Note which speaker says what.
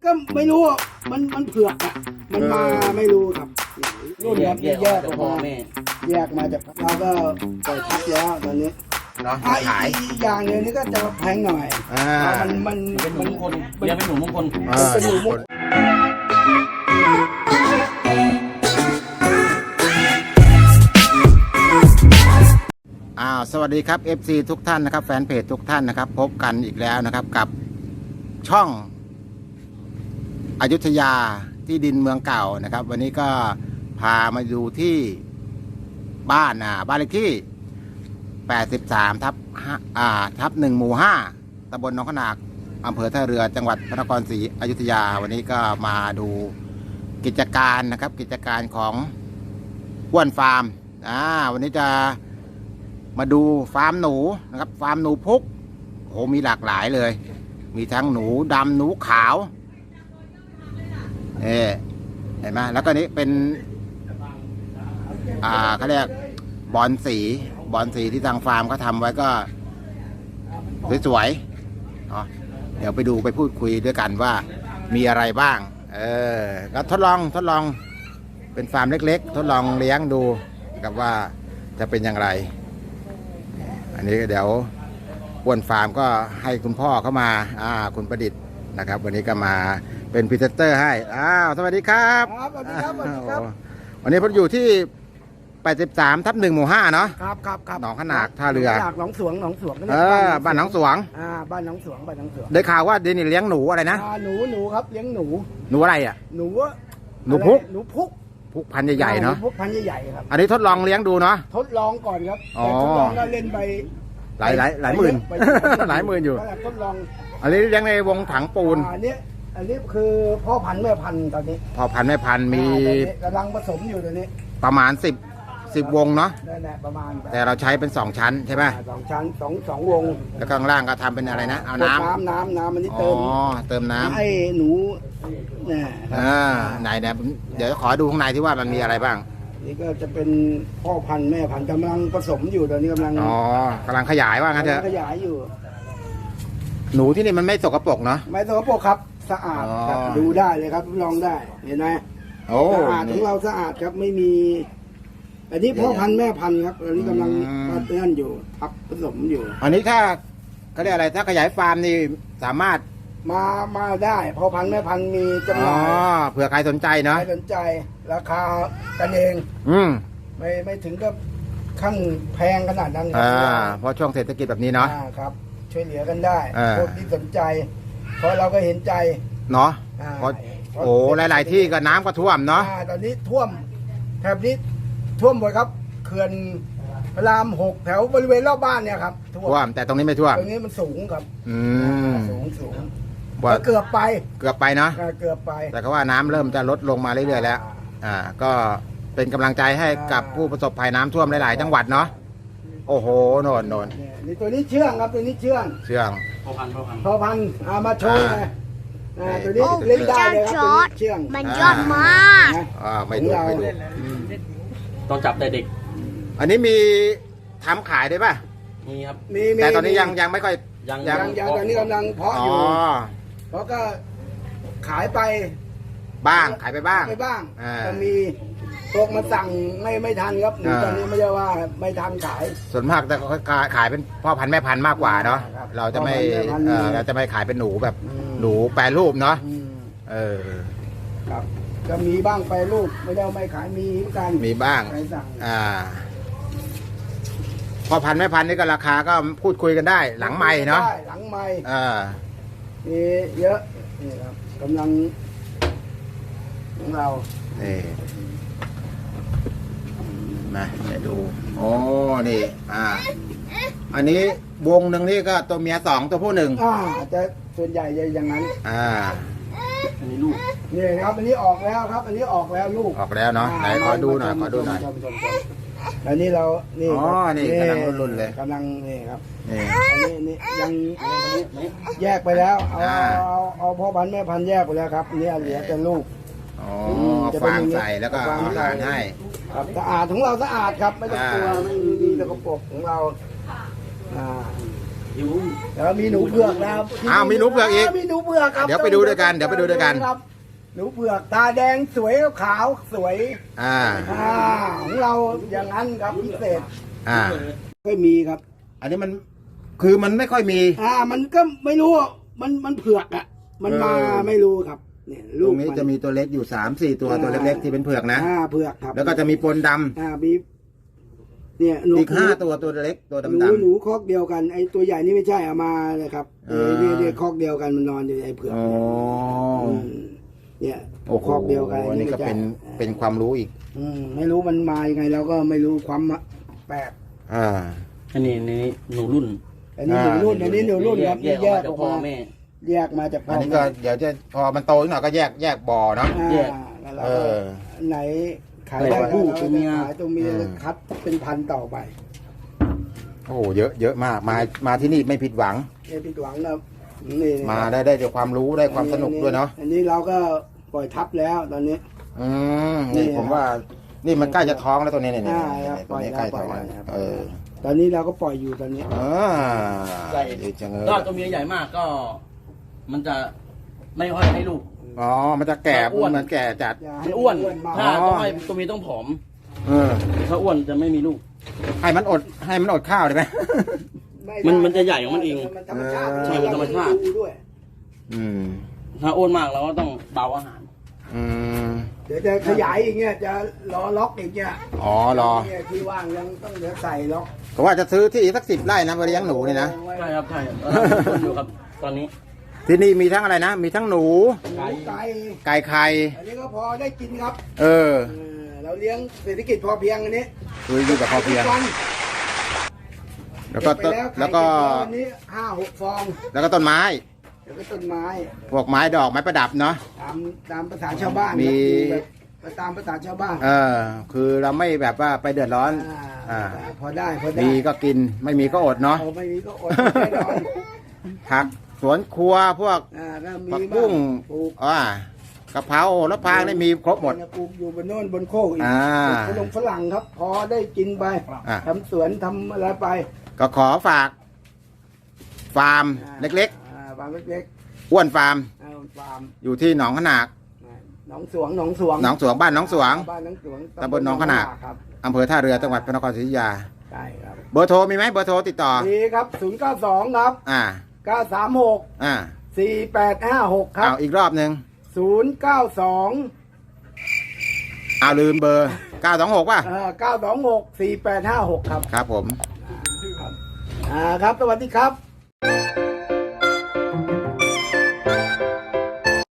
Speaker 1: ก็ไม่รู้มันเผือกอ่ะมันมาไม่รู้ครับรุ่นครับแยกออกมาแยกมาจากเราก็ปล่อยทับแล้วตอนนี้
Speaker 2: เนาะขาย
Speaker 1: อีกอย่างเดียวนี้ก็จะแพงหน่อยมัน
Speaker 3: เป็นหนูมงคลเรียกเป็นหนูมงคล
Speaker 1: เป็นหนูมงคล
Speaker 2: สวัสดีครับ FC ทุกท่านนะครับแฟนเพจทุกท่านนะครับพบกันอีกแล้วนะครับกับช่องอยุธยาที่ดินเมืองเก่านะครับวันนี้ก็พามาดูที่บ้านเลขที่83ทับ1หมู่5ตำบลหนองขนากอำเภอท่าเรือจังหวัดพระนครศรีอยุธยาวันนี้ก็มาดูกิจการนะครับกิจการของอ้วนฟาร์มวันนี้จะมาดูฟาร์มหนูนะครับฟาร์มหนูพุกโอ้มีหลากหลายเลยมีทั้งหนูดำหนูขาวเห็นไหมแล้วก็นี้เป็นเขาเรียกบอลสีที่ทางฟาร์มเขาทำไว้ก็สวยๆเดี๋ยวไปดูไปพูดคุยด้วยกันว่ามีอะไรบ้างก็ทดลองเป็นฟาร์มเล็กๆทดลองเลี้ยงดูกับว่าจะเป็นอย่างไรอันนี้เดี๋ยวอ้วนฟาร์มก็ให้คุณพ่อเข้ามาคุณประดิษฐ์นะครับวันนี้ก็มาเป็นพรีเซนเตอร์ให้สวัสดีครับ
Speaker 1: สวัสดีครับสวัสดีครับ
Speaker 2: วันนี้ผมอยู่ที่83ทับ1หมู่5เนาะ
Speaker 1: ครับ
Speaker 2: หนองขนากท่าเรือ
Speaker 1: หนองสวง
Speaker 2: บ้านหนองสวง
Speaker 1: บ้านหนองสวง
Speaker 2: ได้ข่าวว่าเดนนี่เลี้ยงหนูอะไรนะ
Speaker 1: หนูครับเลี้ยงหนู
Speaker 2: อะไร
Speaker 1: หนู
Speaker 2: พุก
Speaker 1: พุก
Speaker 2: พันใหญ่ๆเนาะ
Speaker 1: พุกพันใหญ่ๆครับ
Speaker 2: อันนี้ทดลองเลี้ยงดูเนาะ
Speaker 1: ทดลองก่อนครับแต่ทดลองก็เล่นไป
Speaker 2: หลายหมื่นหลายหมื่นอยู่
Speaker 1: ทดลอง
Speaker 2: อันนี้เลี้ยงในวงถังปูน
Speaker 1: อันนี้คือพ่อพันธุ์แม่พันธุ์ตอนนี้
Speaker 2: พ่อพันธุ์แม่พันธุ์มี
Speaker 1: กำลังผสมอยู่ตอนนี้
Speaker 2: ประมาณ10วงเนาะ
Speaker 1: นั่นแหละประมาณ
Speaker 2: แต่เราใช้เป็น2ชั้นใช่ไหม
Speaker 1: 2ชั้น2วง
Speaker 2: แล้วข้างล่างก็ทำเป็นอะไรนะเอาน้ำ
Speaker 1: อันนี้
Speaker 2: เติมน้ำ
Speaker 1: ให้หนูเนี่ย
Speaker 2: ไหนเดี๋ยวขอดูข้างในที่ว่ามันมีอะไรบ้าง
Speaker 1: นี่ก็จะเป็นพ่อพันธุ์แม่พันธุ์กำลังผสมอยู่ตอนนี้กำลัง
Speaker 2: ขยายว่างั้นเถอะ
Speaker 1: ขยายอยู่
Speaker 2: หนูที่นี่มันไม่สกปรกเนาะ
Speaker 1: ไม่สกปรกครับสะอาดครับดูได้เลยครับลองได้เห็นไหมสะอาดของเราสะอาดครับไม่มีอันนี้พ่อพันธุ์แม่พันธุ์ครับอันนี้กำลังเตือนอยู่ทับผสมอยู่
Speaker 2: อันนี้ถ้าเขาเรียกอะไรถ้าขยายฟาร์มนี่สามารถ
Speaker 1: มาได้พ่อพันธุ์แม่พันธุ์มีจำหน่าย
Speaker 2: เผื่อใครสนใจเนาะ
Speaker 1: ใครสนใจราคากันเองไม่ถึงกับขั้นแพงขนาดนั้น
Speaker 2: เพราะช่วงเศรษฐกิจแบบนี้เนาะ
Speaker 1: ครับช่วยเหลือกันได้คนที่สนใจเพราะเราก็เห็นใจ
Speaker 2: เนาะเพราะหลายๆที่ก็น้ำก็ท่วมเนาะ
Speaker 1: ตอนนี้ท่วมแถบนี้ท่วมหมดครับเขื่อนพระราม6แถวบริเวณรอบบ้านเนี่ยครับ
Speaker 2: ท่วมแต่ตรงนี้ไม่ท่วม
Speaker 1: ตรงนี้มันสูงครับสูงเกือบไป
Speaker 2: นะ
Speaker 1: เกือบไป
Speaker 2: แต่ก็ว่าน้ำเริ่มจะลดลงมาเรื่อยๆแล้วก็เป็นกำลังใจให้กับผู้ประสบภัยน้ำท่วมหลายๆจังหวัดเนาะโอ้โหโน่น
Speaker 1: นี่ตัวนี้เชื่องครับตัวนี้เชื่อง
Speaker 3: พ่อพัน
Speaker 1: ธุ์มาโชว์เลยตัวนี้เล่นได้เลยครับเชื่อง
Speaker 4: มันยอดมาก
Speaker 2: ไม่ดู
Speaker 3: ต้องจับแต่เด็ก
Speaker 2: อันนี้มีทำขายได้ป่ะ
Speaker 3: มีครับ
Speaker 2: แต่ตอนนี้ยังไม่ค่อย
Speaker 1: ยังตอนนี้กำลังเพาะอยู่เพราะก็ขายไป
Speaker 2: บ้าง
Speaker 1: จะมีพวกมาสั่งไม่ทันครับตอนนี้ไม่ใช่ว่าไม่ทันขาย
Speaker 2: ส่วนมากแต่ขายเป็นพ่อพันธุ์แม่พันธุ์มากกว่าเนาะเราจะไม่ขายเป็นหนูแบบหนูแปรรูปเนาะ
Speaker 1: ครับจะมีบ้างแปรรูปไม่ได้ไม่ขายมี
Speaker 2: บ้างพ่อพันธุ์แม่พันธุ์นี่ก็ราคาก็พูดคุยกันได้หลังไมค์เนาะ
Speaker 1: หลังไมค์มีเยอะนี่ครับกำลังของเรา
Speaker 2: มาดูนี่อันนี้วงหนึ่งนี่ก็ตัวเมีย2ตัวผู้1
Speaker 1: จะส่วนใหญ่จะอย่างนั้น
Speaker 3: อันนี้ลูก
Speaker 1: นี่ครับอันนี้ออกแล้วครับอันนี้ออกแล้วลูก
Speaker 2: ออกแล้วเนาะไหนขอดูหน่อย
Speaker 1: อันนี้เรานี่
Speaker 2: นี่กำลังรุ่นเลย
Speaker 1: กำลังนี่ครับนี่ยังแยกไปแล้วเอาพ่อพันธุ์แม่พันธุ์แยกไปแล้วครับนี่เหลือแต่ลูก
Speaker 2: ฟางใส่แล้วก็อาหารให้
Speaker 1: ครับสะอาดของเราสะอาดครับไม่ต้องกลัวไม่มีสกปรกของเรา
Speaker 3: หิว
Speaker 1: แล้วมีหนูเผือกนะครับ
Speaker 2: อ้าวมีหนูเผือกอีก
Speaker 1: มีหนูเผือกครับ
Speaker 2: เดี๋ยวไปดูด้วยกันเดี๋ยวไปดูด้วยกัน
Speaker 1: ครับหนูเผือกตาแดงสวยขาวสวย
Speaker 2: อ่า
Speaker 1: ของเราอย่างนั้นครับพิเศษ
Speaker 2: อ่า
Speaker 1: ก็มีครับ
Speaker 2: อันนี้มันคือมันไม่ค่อยมี
Speaker 1: มันก็ไม่รู้อะมันเผือกอ่ะมันมา ไม่รู้ครับเนี่ย
Speaker 2: ต
Speaker 1: ลู
Speaker 2: ร
Speaker 1: ก
Speaker 2: งนี้จะมีตัวเล็กอยู่3-4ตัวตัวเล็กๆที่เป็นเผือกนะ
Speaker 1: เผือกครับ
Speaker 2: แล้วก็จะมีปนดำ
Speaker 1: มีเนี่ยหนู
Speaker 2: อีก5ตัวตัวเล็กตัว
Speaker 1: หนู
Speaker 2: ดำ
Speaker 1: หนูคอกเดียวกันไอ้ตัวใหญ่นี่ไม่ใช่เอามาเลยครับ เนี่ยคอกเดียวกันมันนอนอยู่ในไอ้เผือก
Speaker 2: ๆอ๋อ
Speaker 1: เนี่ย
Speaker 2: โอ้โห
Speaker 1: คอกเดียวกัน
Speaker 2: อันนี้ก็
Speaker 1: ไม่ใช่
Speaker 2: เป็นความรู้อีก
Speaker 1: ไม่รู้มันมายังไงเราก็ไม่รู้ความแปลก
Speaker 2: อ่า
Speaker 3: อันนี้หนูรุ่น
Speaker 1: อันนี้หนูรุ่นอันนี้หนูรุ่นครับ
Speaker 3: แยกออกมาจากพ่อแม่
Speaker 1: แยกมาจากพ่อ
Speaker 2: อั
Speaker 1: อั
Speaker 2: นนี้ก็เดี๋ยวจะพอมันโตขึ้นหน่อยก็แยกบ่อเนาะ
Speaker 3: แยก
Speaker 1: แล้วเรา
Speaker 2: เอ
Speaker 1: ก็
Speaker 2: อ
Speaker 1: ไหนขาย
Speaker 3: ไหน
Speaker 1: ได้
Speaker 3: ผู้
Speaker 1: เรา
Speaker 3: ตั
Speaker 1: ก็
Speaker 3: วเมีย
Speaker 1: ขายตัวเมียคัดเป็นพันต่อไป
Speaker 2: โอ้โหเยอะมากมาที่นี่ไม่ผิดหวัง
Speaker 1: เนี่ยผิดหวังนะนี่
Speaker 2: มาได้ด้วยความรู้ได้ความสนุกด้วยเนาะ
Speaker 1: อันนี้เราก็ปล่อยทับแล้วตอนนี้
Speaker 2: นี่
Speaker 1: นี่
Speaker 2: ผมว่านี่มันใกล้จะท้องแล้วตัวนี้เนี่ย
Speaker 1: ครับ
Speaker 2: ตัวนี้ใกล้ท้องแล้ว
Speaker 1: ครับ
Speaker 2: เออ
Speaker 1: ตอนนี้เราก็ปล่อยอยู่ตอนนี้
Speaker 3: ใหญ่
Speaker 2: ดีจังเลย
Speaker 3: ก็ตัวเมียใหญ่มากก็ มันจะไม่ค่อยให้ลูก
Speaker 2: อ๋อมันจะแก่
Speaker 3: อ้วน
Speaker 2: เหมือนแก่จัด
Speaker 1: อย่า
Speaker 3: มั
Speaker 1: ให้
Speaker 3: นอ้วน
Speaker 1: มาก
Speaker 3: ถ้าต้องให้ตัวเมียต้องผอม
Speaker 2: เออ
Speaker 3: ถ้าอ้วนจะไม่มีลูก
Speaker 2: ให้มันอดข้าวได้ไหม
Speaker 1: ไได้
Speaker 3: มันจะใหญ่ของมันเอง
Speaker 1: มันธรรมชาติ
Speaker 3: ใช่มันธรรมชาติ
Speaker 1: ดูด้วย
Speaker 2: อืม
Speaker 3: ถ้าอ้วนมากเราก็ต้องเบาอาหาร
Speaker 2: อืม
Speaker 1: เดี๋ยวจะขยายอีกเนี่ยจะล้อล็อกอีกเนี่ย
Speaker 2: อ๋อรอ
Speaker 1: เนี่ยที่ว่างยังต้องเดี๋ยวใส่ล็อก
Speaker 2: ก็ว่าจะซื้อที่สัก10 ไร่นะไปเลี้ยงหนูเนี่ยนะ
Speaker 3: ใช่ครับใช่ครับอยู่ครับ ตอนนี้
Speaker 2: ที่นี่มีทั้งอะไรนะ มีทั้งหนู
Speaker 1: ไก่ไก่
Speaker 2: ไก่ไข่
Speaker 1: อันนี้ก็พอได้กินครับ
Speaker 2: เออ
Speaker 1: เราเลี้ยงเศรษฐกิจพอเพียงอันนี้
Speaker 2: คืออยู่กับพอเพียง
Speaker 1: ทุกวัน
Speaker 2: แล้วก็
Speaker 1: เบไป
Speaker 2: แล้วก็
Speaker 1: ไข่เบไปวันนี้5-6 ฟอง
Speaker 2: แล้วก็ต้นไม้
Speaker 1: แล้วก็ต้นไม้
Speaker 2: พวกไม้ดอกไม้ประดับเนาะ
Speaker 1: ตามภาษาชาวบ้าน
Speaker 2: มี
Speaker 1: แบบตามภาษาชาวบ้าน
Speaker 2: เออ คือเราไม่แบบว่าไปเดือดร้อน อ่า
Speaker 1: พอได้พอได้
Speaker 2: มีก็กินไม่มีก็อดเนาะ
Speaker 1: เอาไม่มีก็อดแน่นอน
Speaker 2: ผักสวนครัวพวก
Speaker 1: ก็มี
Speaker 2: ผักบุ้ง
Speaker 1: ปลูก
Speaker 2: กะเพราแล้วพางได้มีครบหมด
Speaker 1: ปลูกอยู่บนโน่นบนโคกอีก
Speaker 2: อ่า
Speaker 1: ปลูกฝรั่งครับ พอได้กินไป
Speaker 2: อ่า
Speaker 1: ทำสวนทำอะไรไป
Speaker 2: ก็ขอฝากฟาร์มเล็ก
Speaker 1: ฟาร์มเล็ก
Speaker 2: ๆ อ้วนฟาร์ม
Speaker 1: ฟาร์ม
Speaker 2: อยู่ที่หนองขนาก
Speaker 1: หนองสวงหนองสวง
Speaker 2: หนองสวงบ้านหนองสวง
Speaker 1: บ้านหนองสวง
Speaker 2: ตำบลหนองขนาก
Speaker 1: ครับ
Speaker 2: อำเภอท่าเรือจังหวัดพระนครศรีอยุธยา
Speaker 1: ใช่ครับ
Speaker 2: เบอร์โทรมีไหมเบอร์โทรติดต่อ
Speaker 1: ดีครับ092ครับ
Speaker 2: อ่า
Speaker 1: 936
Speaker 2: อ่า
Speaker 1: 4856 ครับ
Speaker 2: เอาอีกรอบหนึ่ง
Speaker 1: 092
Speaker 2: เอาลืมเบอร์ 926 ป่ะ
Speaker 1: 926 4856 ครับ
Speaker 2: ครับผม
Speaker 1: ครับ สวัสดีครับ